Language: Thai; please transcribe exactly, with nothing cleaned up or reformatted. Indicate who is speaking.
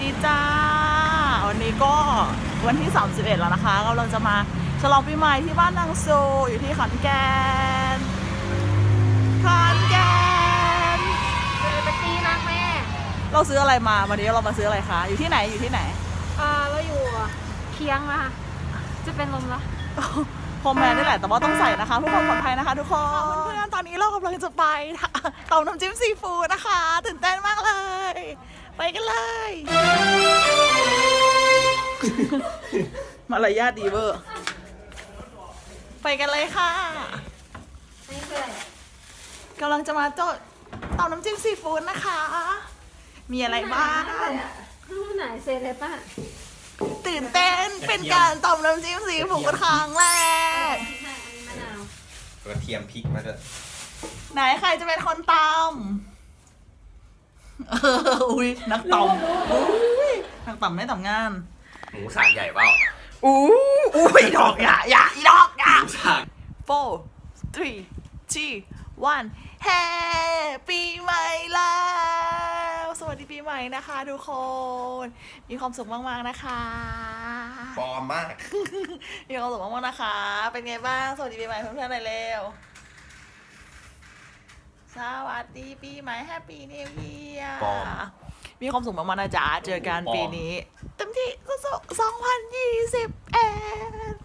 Speaker 1: ดีจ้าวันนี้ก็วันที่สามสิบเอ็ดแล้วนะคะกำลังจะมาฉลองปีใหม่ที่บ้านนางโซอยู่ที่ขอนแก่นขอนแก่น
Speaker 2: เจอไปตีมากแม่
Speaker 1: เราซื้ออะไรมาวันนี้เรามาซื้ออะไรคะอยู่ที่ไหนอยู่ที่ไหน
Speaker 2: อ่าเราอยู่เคียงนะคะจะเป็นลมละ
Speaker 1: โฮมแมนนี่แหละแต่ว่าต้องใส่นะคะเพื่อความปลอดภัยนะคะทุกคนเพื่อนๆตอนนี้เรากำลังจะไปเต่าน้ำจิ้มซีฟู้ดนะคะตื่นเต้นมากเลยไปกันเลย มารยาทดีเวอร์ไปกันเลยค่ะ
Speaker 2: นี่คืออะไร
Speaker 1: กำลังจะมาโจทย์เต่าน้ำจิ้มซีฟู้ดนะคะ มีอะไรบ้าง
Speaker 2: รูปไหนเซเลป้า
Speaker 1: ตื่นเต้นเป็นการตำน้ำจิ้มซีฟู้ดครั้งแรก
Speaker 2: ใช่อันนี้มะนาว
Speaker 3: กระเทียมพริกมาด้วย
Speaker 1: ไหนใครจะเป็นคนตำเอออุ้ยนักตำอุ้ยนักตำไม่ตำงาน
Speaker 3: หมูสากใหญ่เปล่า
Speaker 1: อู้อุ้ยดอกอย่าอย่าอีดอกอย่า
Speaker 3: หมูสาก
Speaker 1: four three two one แฮปปี้ใหม่แล้วสวัสดีปีใหม่นะคะทุกคนมีความสุขมากๆนะคะ
Speaker 3: ปลอมมาก
Speaker 1: มีความสุขมากๆนะคะ เป็นไงบ้าง สวัสดีปีใหม่เพื่อนๆหน่อยเร็ว สวัสดีปีใหม่แฮปปี้นิวเยียร์
Speaker 3: ปลอม
Speaker 1: มีความสุขมากๆนะจ๊ะ เจอกัน
Speaker 3: ปลอม
Speaker 1: ปีนี้เต็มที่สุดๆสองพันยี่สิบเอ็ด